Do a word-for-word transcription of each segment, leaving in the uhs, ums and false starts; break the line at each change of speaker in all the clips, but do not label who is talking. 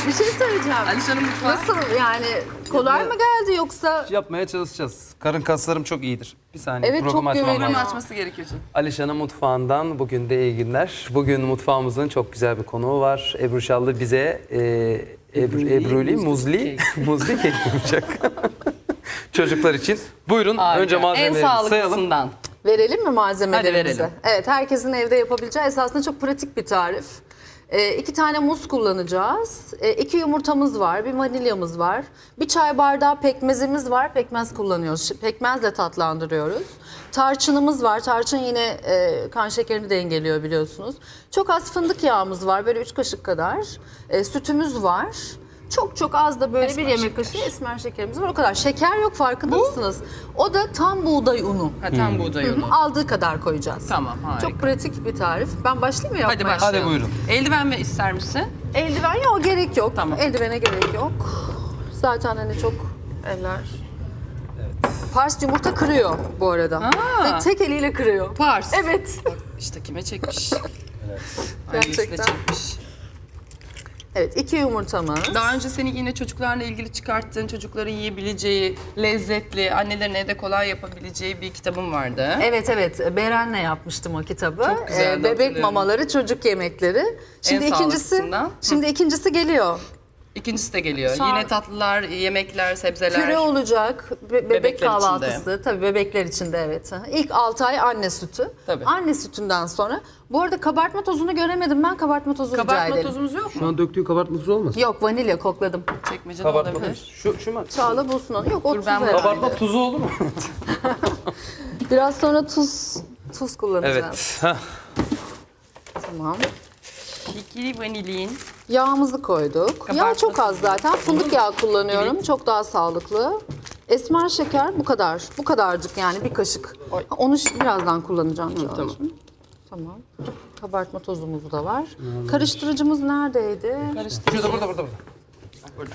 Bir şey söyleyeceğim.
Alişan'ın mutfağı.
Nasıl yani kolay mı geldi yoksa?
Yapmaya çalışacağız. Karın kaslarım çok iyidir. Bir saniye
Evet,
programı
çok
açmam
güveniyorum.
Fırını
lazım.
açması gerekiyor canım.
Alişan'ın mutfağından bugün de iyi günler. Bugün mutfağımızın çok güzel bir konuğu var. Ebru Şallı bize e, Ebru, Ebruli Muzli, Muzli kek yapacak. Çocuklar için. Buyurun
Harika.
önce
En
malzemeleri sayalım.
sağlıklısından.
Verelim mi malzemelerimizi?
Hadi verelim.
Evet, herkesin evde yapabileceği esasında çok pratik bir tarif. Ee, iki tane muz kullanacağız. Ee, iki yumurtamız var, bir vanilyamız var. Bir çay bardağı pekmezimiz var, pekmez kullanıyoruz. Şi- Pekmezle tatlandırıyoruz. Tarçınımız var, tarçın yine e, kan şekerini dengeliyor biliyorsunuz. Çok az fındık yağımız var, böyle üç kaşık kadar. E, sütümüz var. Çok çok az da böyle
Esmer
bir yemek
şeker.
kaşığı esmer şekerimiz var. O kadar. Şeker yok, farkında mısınız? O da tam buğday unu.
Ha, tam buğday unu.
Aldığı kadar koyacağız.
Tamam, harika.
Çok pratik bir tarif. Ben başlayayım mı yapmaya?
Hadi başlayalım.
Hadi buyurun.
Eldiven mi ister misin?
Eldiven yok, gerek yok.
Tamam.
Eldivene gerek yok. Zaten hani çok eller... Pars yumurta kırıyor bu arada.
Aa.
Ve tek eliyle kırıyor.
Pars.
Evet.
Bak işte kime çekmiş. Ailesine
Gerçekten.
çekmiş.
Evet, iki yumurtamız.
Daha önce senin yine çocuklarla ilgili çıkarttığın, çocukların yiyebileceği, lezzetli, annelerin evde kolay yapabileceği bir kitabım vardı.
Evet evet, Beren'le yapmıştım o kitabı.
Çok güzeldi,
Ee, bebek
hatırlıyorum.
mamaları, çocuk yemekleri. Şimdi
En
ikincisi,
sağlıklısından.
şimdi ikincisi geliyor.
İkincisi de geliyor.
Şu an-
Yine tatlılar, yemekler, sebzeler.
Püre olacak, be- bebek
Bebekler
kahvaltısı. Tabii bebekler için de evet. Hı hı. İlk altı ay anne sütü.
Tabii.
Anne sütünden sonra. Bu arada kabartma tozunu göremedim ben. Kabartma tozu rica
Kabartma
ederim.
tozumuz yok
Şu
mu?
an döktüğü kabartma tuzu olmasın?
Yok, vanilya kokladım.
Çekmecede
Kabartma
olabilir.
tuzu. Şu, şu mu?
Çağla bulsun onu. Yok, o
Dur,
tuz
ben
herhalde.
Kabartma tuzu olur mu?
Biraz sonra tuz tuz kullanacağız.
Evet. Heh.
Tamam.
İkili vanilin.
Yağımızı koyduk. Yağ
Kabartma
çok az
tozu.
zaten. Fındık yağı kullanıyorum. Çok daha sağlıklı. Esmer şeker bu kadar. Bu kadarcık yani bir kaşık.
Oy.
Onu şi- birazdan kullanacağım. Çağla'cığım.
tamam.
Tamam. Kabartma tozumuz da var. Karıştırıcımız neredeydi?
Şurada burada burada. burada.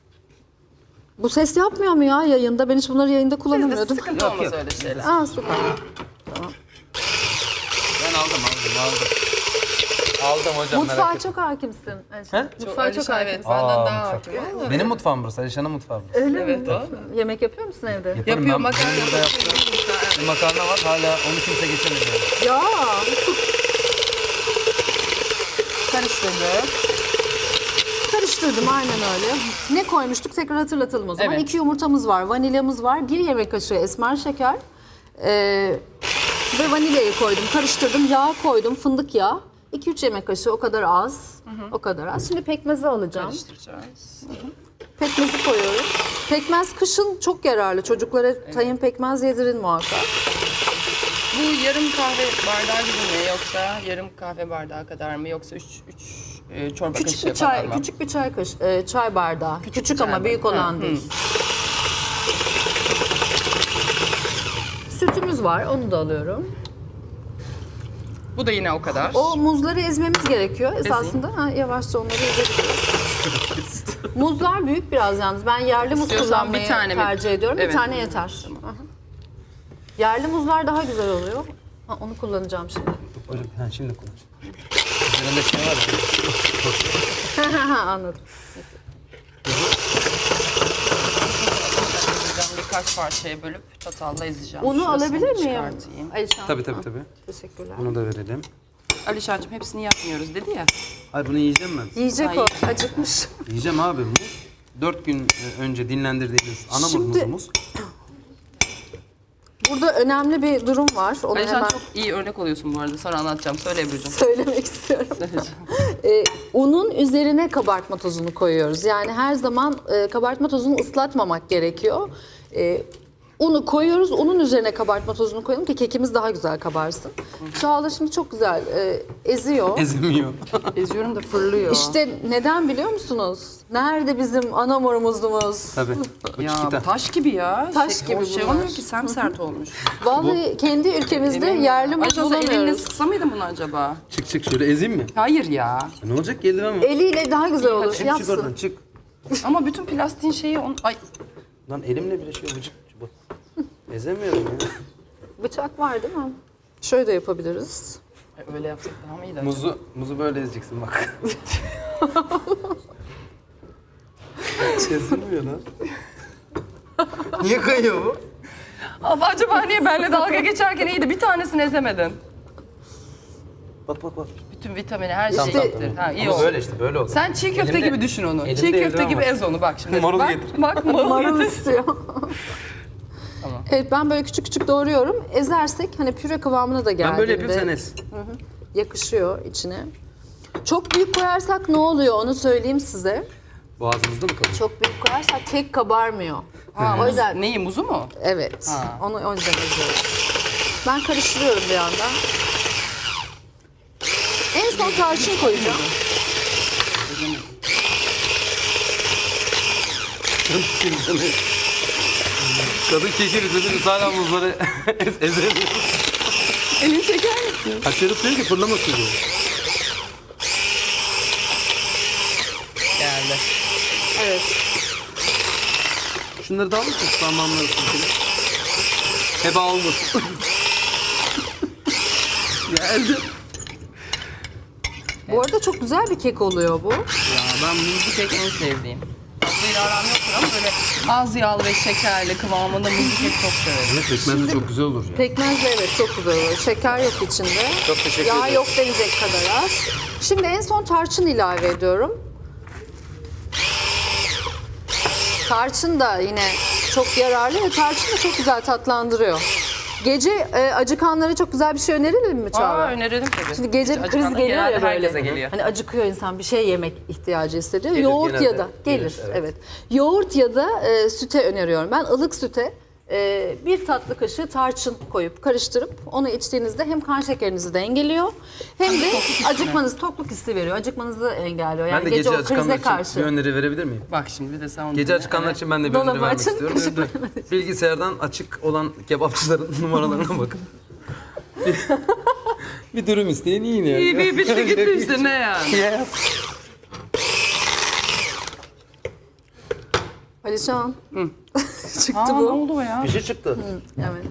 Bu ses yapmıyor mu ya yayında? Ben hiç bunları yayında
Bizde
kullanamıyordum.
sıkıntı olmaz öyle şeyler.
Aa süper.
Ben aldım aldım aldım. Aldım hocam
Mutfağa
merak etme.
çok hakimsin.
He?
Mutfağa çok
Alişan, evet,
hakimsin.
benden
Aa,
daha
mutfak.
hakim.
Benim mutfağım burası. Alişan'ın mutfağı burası.
Öyle
Evet,
mi?
o.
Yemek yapıyor musun evde?
Yaparım
Yapıyor
ben.
makarna.
Benim de yaptım. Bir makarna var hala onu kimse geçemedi. yani.
Ya.
Karıştırdık.
Karıştırdım aynen öyle. Ne koymuştuk tekrar hatırlatalım o zaman.
Evet.
İki yumurtamız var, vanilyamız var, bir yemek kaşığı esmer şeker ee, ve vanilyayı koydum, karıştırdım, yağ koydum, fındık yağı. iki üç yemek kaşığı o kadar az, o kadar az. Şimdi pekmezi alacağım.
Karıştıracağız.
Pekmezi koyuyorum. Pekmez kışın çok yararlı. Çocuklara tayin pekmez yedirin muhakkak.
Bu yarım kahve bardağı gibi mi yoksa yarım kahve bardağı kadar mı yoksa üç, üç e, çorba
Küçük
kaşığı
bir çay,
falan mı?
küçük bir çay kaş, e, çay bardağı. Küçük,
çay
ama büyük
bardağı.
olan
Hı,
değil. Sütümüz var, onu da alıyorum.
Bu da yine o kadar.
O muzları ezmemiz gerekiyor esasında. Ha, yavaşça onları ezebiliriz. Muzlar büyük biraz yalnız. Ben yerli muz
İstiyorsan
kullanmayı
bir tane mi?
tercih ediyorum.
Evet.
Bir tane yeter. Aha. Yerli muzlar daha güzel oluyor. Ha, onu kullanacağım şimdi.
Hocam ha, şimdi konuş. Üzerinde şey var ya.
Anladım.
Ezeceğim, birkaç parçaya bölüp çatalla ezeceğim.
Unu
Şurasını
alabilir miyim?
çıkartayım.
Alişan.
Tabii tabii tabii.
Teşekkürler.
Bunu da verelim.
Alişancığım hepsini yapmıyoruz dedi ya.
Ay bunu yiyeceğim ben.
Yiyecek
Ay.
o. Acıkmış.
Yiyeceğim abi muz. Dört gün e, önce dinlendirdiğimiz ana
Şimdi-
muzumuz.
Burada önemli bir durum var. Onu
Alişan
hemen
çok iyi örnek oluyorsun bu arada. Sonra anlatacağım. Söyle Ebru'cum.
söylemek istiyorum.
Söyleyeceğim.
Ee, unun üzerine kabartma tozunu koyuyoruz. Yani her zaman e, kabartma tozunu ıslatmamak gerekiyor. E, unu koyuyoruz, unun üzerine kabartma tozunu koyalım ki kekimiz daha güzel kabarsın. Çağla şimdi çok güzel e, eziyor.
Ezemiyor.
Eziyorum da fırlıyor.
İşte neden biliyor musunuz? Nerede bizim anamur muzumuz?
Tabii. Bu
ya
çikita.
taş gibi ya.
Taş
şey,
gibi
o şey
bunlar.
olmuyor ki semsert olmuş.
Vallahi kendi ülkemizde
Emin-
yerli muz
Alişan sen elinle
bulamıyoruz.
sıksa mıydın bunu acaba?
Çık çık şöyle ezeyim mi?
Hayır ya.
Ne olacak ki eldiven var.
Eliyle daha güzel olur.
Çık çık
Yapsın.
oradan çık.
Ama bütün plastiğin şeyi on... Ay
Lan elimle bile şey vıcık. Bu. Ezemiyorum ya.
Bıçak var değil mi? Şöyle de yapabiliriz.
öyle yapsak daha mı iyiydi acaba?
Muzu, muzu böyle ezeceksin bak. Kesilmiyor lan. Niye kayıyor bu?
Abi acaba niye benimle dalga geçerken iyiydi bir tanesini ezemedin?
Bak bak bak.
Bütün vitamini her
Tamam,
şey
tamam,
gittir.
tamam.
Ha, iyi
Ama
oldu.
böyle işte böyle oldu.
Sen çiğ köfte
Elimde-
gibi düşün onu.
elimde
Çiğ köfte
eldiven
gibi
var.
ez onu bak şimdi.
Marul
bak,
getir.
Bak marul
Marul
getir.
istiyor.
Tamam.
Evet, ben böyle küçük küçük doğruyorum. Ezersek hani püre kıvamına da geldiğinde
Ben böyle yapayım sen ez.
yakışıyor içine. Çok büyük koyarsak ne oluyor onu söyleyeyim size.
Boğazımızda mı kalıyor?
Çok büyük koyarsak kek kabarmıyor.
Ha,
O yüzden
neyi muzu mu?
evet.
Ha.
Onu o yüzden eziyorum. Ben karıştırıyorum bir yandan. En son tarçın koyacağım.
Kadın kekir izlediniz hala muzları ez ezemiyor.
Elini çeker misin?
Kaçırıp diyor ki fırlamasın diyor.
Geldi.
Evet.
Şunları da alır mısın? Parmağımları sürtün. Heba olmasın. Geldi.
Bu arada çok güzel bir kek oluyor bu.
Ya ben muzlu kek en sevdiğim. Tatlıyla aram yoktur ama böyle az yağlı ve şekerli kıvamında muzlu kek çok severim.
Evet pekmez de çok güzel olur ya.
Pekmezle evet çok güzel oluyor. Şeker yok içinde.
Çok teşekkür
Yağ
ederim.
yok denecek kadar az. Şimdi en son tarçın ilave ediyorum. Tarçın da yine çok yararlı ve tarçın da çok güzel tatlandırıyor. Gece e, acıkanlara çok güzel bir şey önerelim mi Çağla?
Aa önerelim tabii.
Şimdi gece
Hiç
bir kriz
acıkan-
geliyor ya
genelde
böyle.
herkese geliyor.
Hani acıkıyor insan, bir şey yemek ihtiyacı hissediyor.
Gelir,
Yoğurt
genelde
ya da gelir,
gelir,
evet.
evet.
Yoğurt ya da e, süte öneriyorum. Ben ılık süte e, bir tatlı kaşığı tarçın koyup karıştırıp onu içtiğinizde hem kan şekerinizi dengeliyor hem de acıkmanız, tokluk hissi veriyor. Acıkmanızı engelliyor. Yani
Ben de gece,
o
acıkanlar
krize
için
karşı.
bir öneri verebilir miyim?
Bak şimdi bir de sen onu
Gece
dinle.
açıkanlar
Evet.
için ben de bir
Dolabı
öneri vermek
açın,
istiyorum.
kaşık
Evet, evet. Bilgisayardan açık olan kebapçıların numaralarına bakın. bir, bir dürüm isteyin yiyin ya.
İyi bir bitti gitti işte ne yani.
Ya.
Alişan. Çıktı
Aa ne
bu.
oldu o ya?
Bir şey çıktı.
Evet.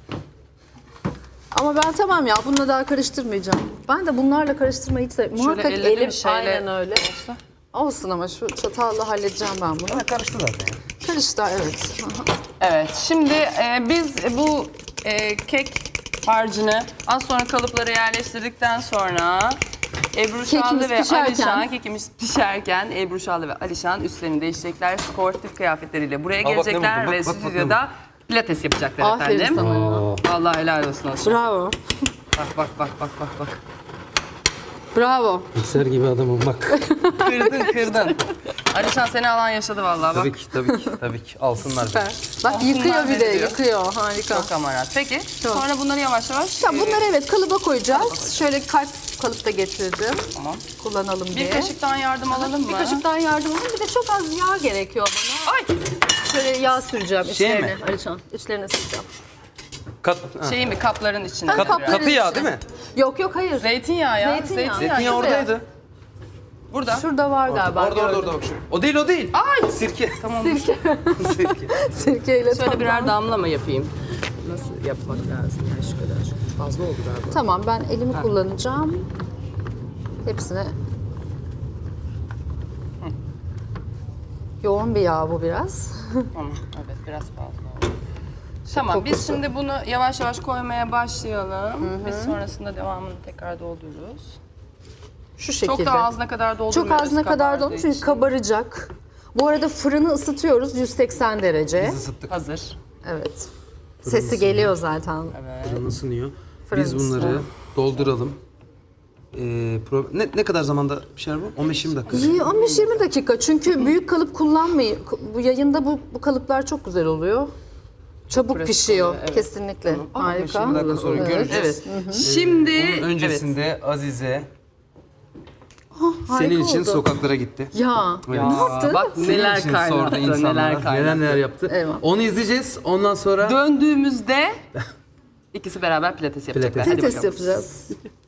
Ama ben tamam ya bununla daha karıştırmayacağım. Ben de bunlarla karıştırmayı hiç sevmiyorum. Muhakkak
elle bir
elim
şeyle
aynen öyle.
olsa.
Olsun ama şu çatalla halledeceğim ben bunu.
Karıştı zaten ya.
Karıştı evet.
Evet şimdi e, biz bu e, kek harcını az sonra kalıplara yerleştirdikten sonra Ebru Şallı
Kekimiz
ve
pişerken.
Alişan, kekimiz pişerken Ebru Şallı ve Alişan üstlerini değiştirecekler. Sportif kıyafetleriyle buraya
bak ne
gelecekler
buldum,
ve
bak, bak, bak ne
stüdyoda pilates yapacaklar
Aferin
efendim.
sana ya.
Vallahi helal olsun Alişan.
Bravo.
Bak bak bak bak bak bak.
Bravo.
Mikser gibi adamım bak.
Kırdın kırdın. Alişan seni alan yaşadı vallahi bak.
tabii ki tabii ki tabii ki alsınlar.
Süper. Bak
Olsunlar
yıkıyor bir de
beni diyor.
yıkıyor. Harika.
Çok amarat. Peki
Çok.
sonra bunları yavaş yavaş
Tamam,
e,
bunları evet kalıba koyacağız. Şöyle kalp kalıpta getirdim.
tamam.
Kullanalım diye.
Bir kaşıktan yardım alalım mı?
Bir kaşıktan yardım alın. Bir de çok az yağ gerekiyor bana.
Ay!
Şöyle yağ süreceğim
Şey
içlerine.
mi?
Alişan içlerine süreceğim.
Kat, ha.
Şeyi mi kapların içine?
Ben
Kat-
kapların
katı yağ
içine.
değil mi?
Yok yok hayır.
Zeytinyağı ya.
Zeytinyağı.
Zeytinyağı.
Zeytinyağı
güzel.
oradaydı.
Burada.
Şurada var galiba.
Orada orada
gördüm.
orada bak şu. O değil o değil.
Ay!
Sirke.
Tamam.
Sirke.
Sirke.
Sirkeyle
Şöyle
tam-
birer damla mı yapayım? Nasıl yapmak lazım? Yani şu kadar. Şu fazla oldu galiba.
Tamam ben elimi kullanacağım. Hepsine. Yoğun bir yağ bu biraz.
Tamam. Evet biraz fazla oldu. Tamam biz
kokusu.
şimdi bunu yavaş yavaş koymaya başlayalım. Biz sonrasında devamını tekrar doldururuz.
Şu şekilde.
Çok da ağzına kadar doldurmuyoruz.
Çok ağzına kadar
kabardığı
dolmuş çünkü
için.
kabaracak. Bu arada fırını ısıtıyoruz yüz seksen derece.
Biz ısıttık.
Hazır.
Evet. Sesi geliyor zaten.
Fırın ısınıyor.
Fırın
Biz bunları
ısınıyor.
dolduralım. Ee, pro- ne, ne kadar zamanda pişer bu? on beş yirmi dakika.
İyi, on beş yirmi dakika çünkü büyük kalıp kullanmayın. Bu yayında bu, bu kalıplar çok güzel oluyor. Çabuk
pratik
pişiyor
oluyor, evet.
kesinlikle. Harika.
yirmi dakika sonra
Evet.
göreceğiz.
Evet. Şimdi
Onun öncesinde Azize
Harika
senin için
oldu.
sokaklara gitti.
Ya,
Evet.
ne yaptı?
Bak
Senin
neler
için
kaynattı,
sordu insanlar.
neler
Neler
kaynattı.
neler yaptı.
Eyvah.
Onu izleyeceğiz. Ondan sonra
Döndüğümüzde ikisi beraber pilates yapacaklar.
Pilates.
Hadi
Pilates
bakalım.
yapacağız.